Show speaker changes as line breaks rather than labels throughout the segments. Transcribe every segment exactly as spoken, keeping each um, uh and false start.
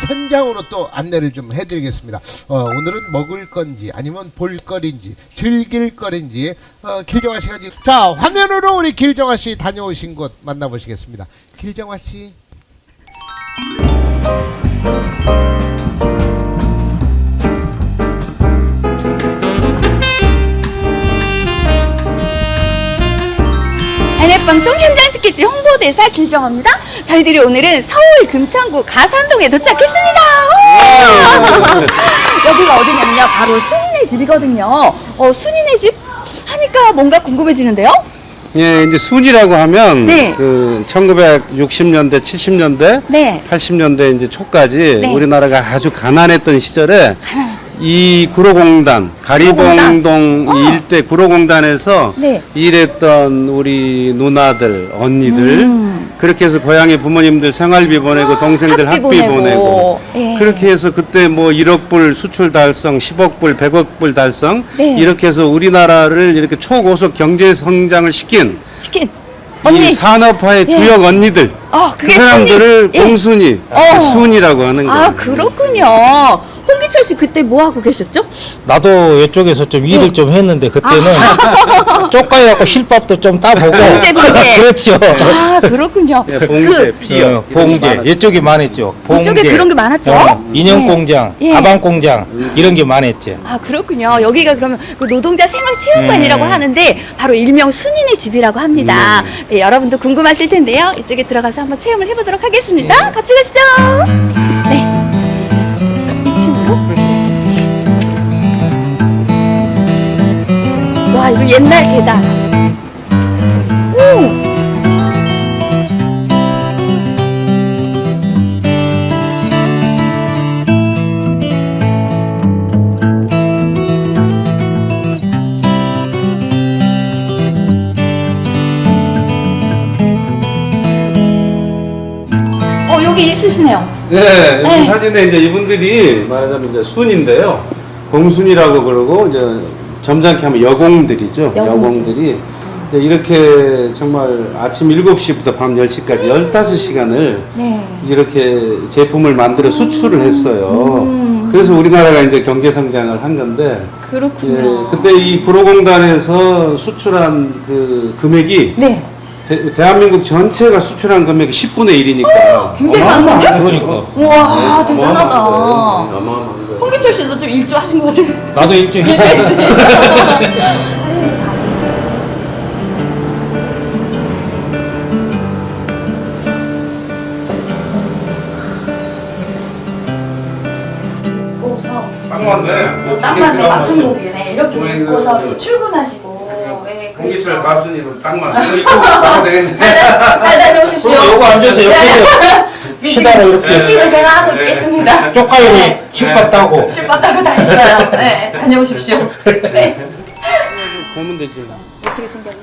현장으로 또 안내를 좀 해드리겠습니다. 어, 오늘은 먹을 건지 아니면 볼 거리인지 즐길 거리인지 어, 길정아 씨가 지금 자 화면으로 우리 길정아 씨 다녀오신 곳 만나보시겠습니다. 길정아 씨.
한해방송 현장 스케치 홍보대사 길정아입니다. 저희들이 오늘은 서울 금천구 가산동에 도착했습니다. 여기가 어디냐면요, 바로 순이네 집이거든요. 어, 순이네 집 하니까 뭔가 궁금해지는데요?
예, 이제 순이라고 하면
네.
그 천구백육십 년대, 칠십 년대,
네.
팔십 년대 이제 초까지
네.
우리나라가 아주 가난했던 시절에 이 구로공단, 가리봉동
구로공단?
이
어.
일대 구로공단에서
네.
일했던 우리 누나들, 언니들
음.
그렇게 해서 고향에 부모님들 생활비 보내고 동생들
학비
학비,
보내고.
보내고,
예.
그렇게 해서 그때 뭐 일억 불 수출 달성, 십억 불, 백억 불 달성
네.
이렇게 해서 우리나라를 이렇게 초고속 경제 성장을 시킨
치킨.
이
언니.
산업화의
예.
주역 언니들,
아,
그
그게
사람들을
순이. 예.
공순이,
어.
순이라고 하는 거예요.
아, 그렇군요. 홍기철 씨 그때 뭐 하고 계셨죠?
나도 이쪽에서 좀 일을
네.
좀 했는데 그때는 쪽가여갖고 실밥도 좀 따보고
봉제, 봉제.
그렇죠.
아, 그렇군요.
예, 봉제,
그,
피어,
어, 봉제
많았죠.
이쪽이 많았죠. 봉제,
이쪽에 그런 게 많았죠?
어, 인형
네.
공장,
예.
가방 공장 이런 게 많았지.
아, 그렇군요. 여기가 그러면 그 노동자 생활체험관이라고
음.
하는데 바로 일명 순인의 집이라고 합니다. 네, 여러분도 궁금하실 텐데요. 이쪽에 들어가서 한번 체험을 해보도록 하겠습니다. 같이 가시죠. 네. 이 층으로. 와, 이거 옛날 계단. 오. 어, 여기 있으시네요.
네,
네.
이 사진에 이제 이분들이 말하자면 이제 순인데요. 공순이라고 그러고 이제 점잖게 하면 여공들이죠.
여공들.
여공들이 이제 이렇게 정말 아침 일곱 시부터 밤 열 시까지 열다섯 시간을
네.
이렇게 제품을 만들어 수출을 했어요.
음.
그래서 우리나라가 이제 경제 성장을 한 건데,
그렇군요.
예, 그때 이 구로공단에서 수출한 그 금액이
네.
대, 대한민국 전체가 수출한 금액이 십분의 일이니까
굉장히 많은데요?
그러니까
우와, 대단하다.
어마어마한 거예요.
홍기철 씨도 좀 일조하신 것 같은데.
나도 일주일
일조했지. 입고서
딱 맞네.
딱 맞네, 맞춤복이네. 이렇게
네,
입고서
네, 네.
출근하시고. 네,
공기철
그래서.
가수님은 딱 맞네. 이거 입고 가야 되겠네.
잘 다- 잘 다녀오십시오.
그럼 요거 앉아서 이렇게 시다로 이렇게
미식을 제가 하고
네.
있겠습니다.
쪽가여고
네.
실밥 따고
실밥 따고 다 했어요. 네, 다녀오십시오. 네.
보면 되지.
어떻게 생겼나?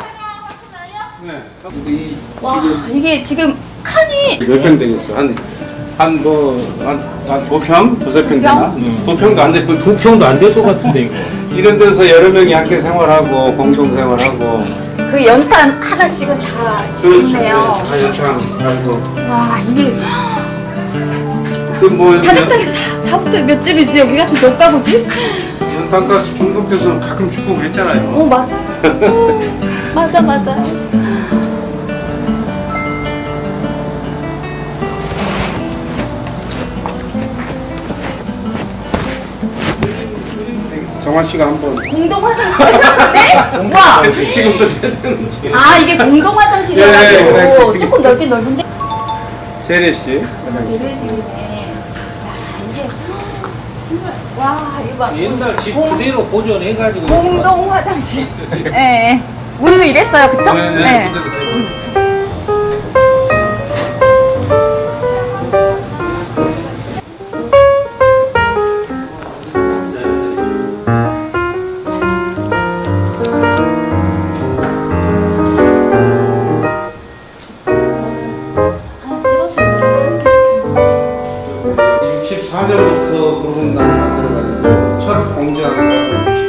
네.
와, 이게 지금 칸이
몇평 되겠어? 한, 한 뭐, 한, 한 두 평? 두세 평 되나?
음.
두 평도 안 되고,
두 평도 안 될 것 같은데 이거.
이런 데서 여러 명이 함께 생활하고, 공동 생활하고.
그 연탄 하나씩은 다 있네요.
다 연탕하고.
와, 이게
그 뭐,
다닥다닥 다, 다 붙어요. 몇 집이지? 여기가 지금 몇 가구지?
연탄가스 중독돼서 가끔 죽고 그랬잖아요.
어, 맞아. 음, 맞아, 맞아.
정환 씨가 한번.
공동 화장실. 네? 와.
지금도 세야 되는지.
아, 이게 공동 화장실이어가지고
예, 예, 예.
조금 넓긴 넓은데.
세례 씨.
이러시네. 자, 이게 정말 와, 이거 봐.
옛날 집
공-
그대로 보존해가지고
공동 화장실. 예. 네. 문도 이랬어요, 그쵸?
네, 네.
네. 하나 찍어주면
육십사 년부터 구로공단을 만들어가지고 첫 공지하는 거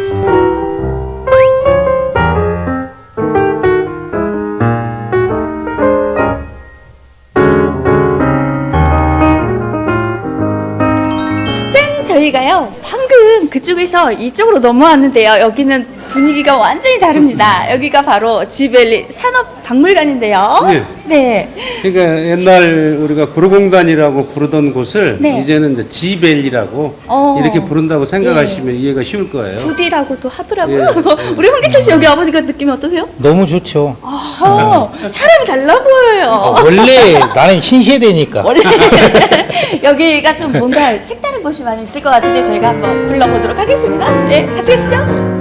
저희가요 방금 그쪽에서 이쪽으로 넘어왔는데요. 여기는 분위기가 완전히 다릅니다. 여기가 바로 지벨리 산업박물관인데요.
네.
네.
그러니까 옛날 우리가 구로공단이라고 부르던 곳을
네.
이제는 이제 지벨리라고
어.
이렇게 부른다고 생각하시면 이해가 쉬울 거예요.
부디라고도 하더라고요.
예, 예.
우리 홍기철 씨 여기 와보니까 느낌이 어떠세요?
너무 좋죠.
아, 사람이 달라 보여요.
어, 원래 나는 신세대니까.
원래 여기가 좀 뭔가 색다른 곳이 많이 있을 것 같은데 저희가 한번 불러보도록 하겠습니다. 네, 같이 가시죠.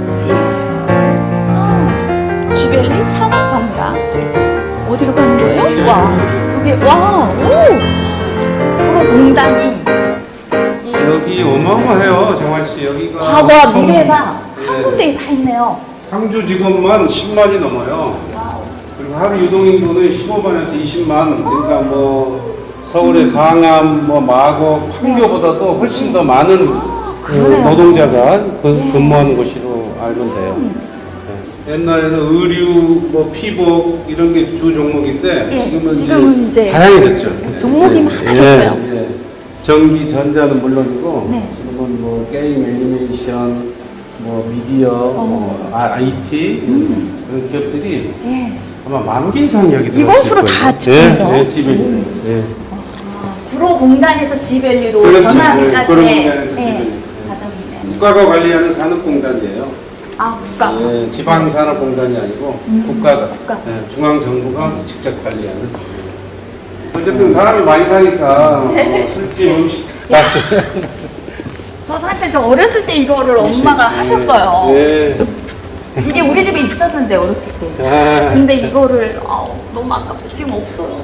아, 지벨리 산업박물관 어디로 가는 거예요? 와, 여기 와, 오, 구로공단이 이
여기 어마어마해요, 정환 씨. 여기가
과거와
성-
미래가 한
예.
군데에 다 있네요.
상주 직원만 십만이 넘어요. 그리고 하루 유동인구는 십오만에서 이십만. 그러니까 뭐 서울의 상암, 뭐 마곡, 판교보다도 훨씬 더 많은 그
그러네요.
노동자가 그, 근무하는 곳으로 알면 돼요. 네. 옛날에는 의류, 뭐 피복 이런 게 주 종목인데
예,
지금은,
지금은 이제
다양해졌죠.
종목이 많아졌어요.
예, 예. 전기, 전자는 물론이고
네.
지금은 뭐 게임, 애니메이션, 뭐 미디어, 뭐 아, 아이티
음.
그런 기업들이
예.
아마 만 개 이상 여기
이곳으로
들어왔을
다
거예요.
집중해서?
예, 예, 집이. 예.
구로공단에서 지벨리로
그렇지.
변화하기까지
네, 구로공단에서
네,
지벨리.
과정이네요.
국가가 관리하는 산업공단이에요.
아, 국가.
예, 지방산업공단이 아니고 국가가,
국가.
예, 중앙정부가 직접 관리하는. 어쨌든 사람이 많이 사니까 뭐 술집, 음식 다
저 사실 저 어렸을 때 이거를 엄마가 하셨어요.
예.
이게 우리 집에 있었는데 어렸을 때.
아.
근데 이거를 아우, 너무 아깝다. 지금 없어요.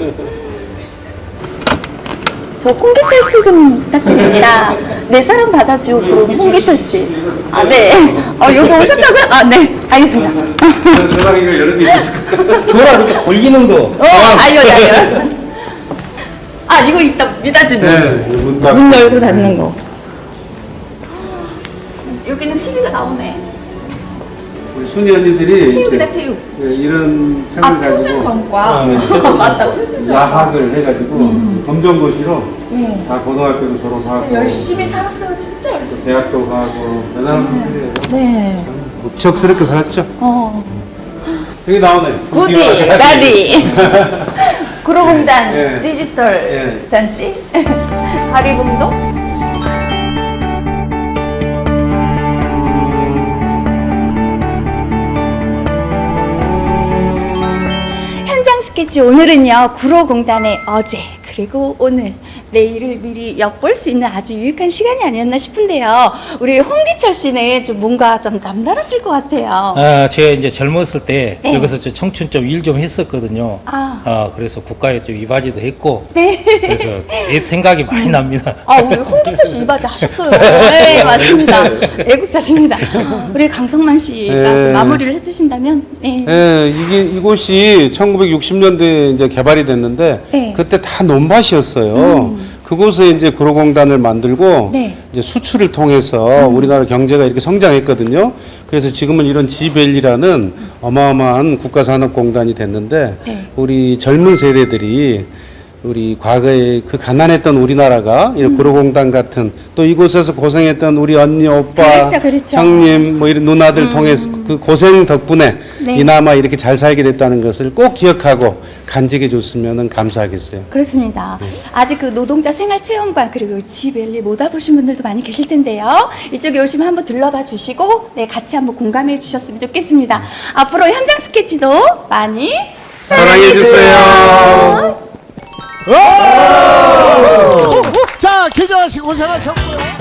저 홍기철 씨 좀 부탁드립니다. 내 사랑 받아줘. 그럼 홍기철 씨. 아, 네. 어, 여기 오셨다고요? 아, 네. 알겠습니다.
저- 전화기가 여러 대 있었을까?
줘라 이렇게 돌리는 거.
어, 알려, 알려. 아, 이거 있다. 미닫이는.
네, 문 닫고.
문 열고 닫는 거. 여기는 티비가 나오네.
우리 순이 언니들이
체육이다,
이제,
체육.
예, 이런 책을
아,
가지고
표준전과.
네,
맞다, 표준전과.
야학을 해가지고 검정고시로
네.
다 고등학교도 졸업하고
진짜 열심히 살았어요. 진짜 열심히.
대학도 가고 대단한 분들이에요.
네.
무척스럽게 살았죠.
어.
여기 나오네.
구디, 가디. 구로공단
예.
디지털
예.
단지. 바리봉도. 현장 스케치 오늘은요 구로공단의 어제 그리고 오늘 내일을 미리 엿볼 수 있는 아주 유익한 시간이 아니었나 싶은데요. 우리 홍기철 씨는 좀 뭔가 좀 남달랐을 것 같아요.
아, 제가 이제 젊었을 때
네.
여기서 저 청춘 좀 일 좀 했었거든요.
아.
아, 그래서 국가에 좀 이바지도 했고.
네.
그래서 옛 생각이 많이 납니다.
아, 우리 홍기철 씨 이바지 하셨어요. 네, 맞습니다. 애국자십니다. 우리 강성만 씨가
네.
좀 마무리를 해주신다면, 네.
예, 이게 이곳이 천구백육십 년대에 이제 개발이 됐는데
네.
그때 다 논밭이었어요. 그곳에 이제 구로공단을 만들고
네.
이제 수출을 통해서 우리나라 경제가 이렇게 성장했거든요. 그래서 지금은 이런 지벨리라는 어마어마한 국가산업공단이 됐는데
네.
우리 젊은 세대들이 우리 과거에 그 가난했던 우리나라가 이런 구로공단 같은 또 이곳에서 고생했던 우리 언니 오빠
그렇죠, 그렇죠.
형님 뭐 이런 누나들 통해서 그 고생 덕분에
네.
이나마 이렇게 잘 살게 됐다는 것을 꼭 기억하고 간직해 줬으면 감사하겠어요.
그렇습니다. 아직 그 노동자 생활체험관 그리고 지벨리 못 와보신 분들도 많이 계실 텐데요. 이쪽에 오시면 한번 들러봐 주시고 네 같이 한번 공감해 주셨으면 좋겠습니다. 앞으로 현장 스케치도 많이
사랑해 주세요.
자, 기정아 씨 고생하셨고요.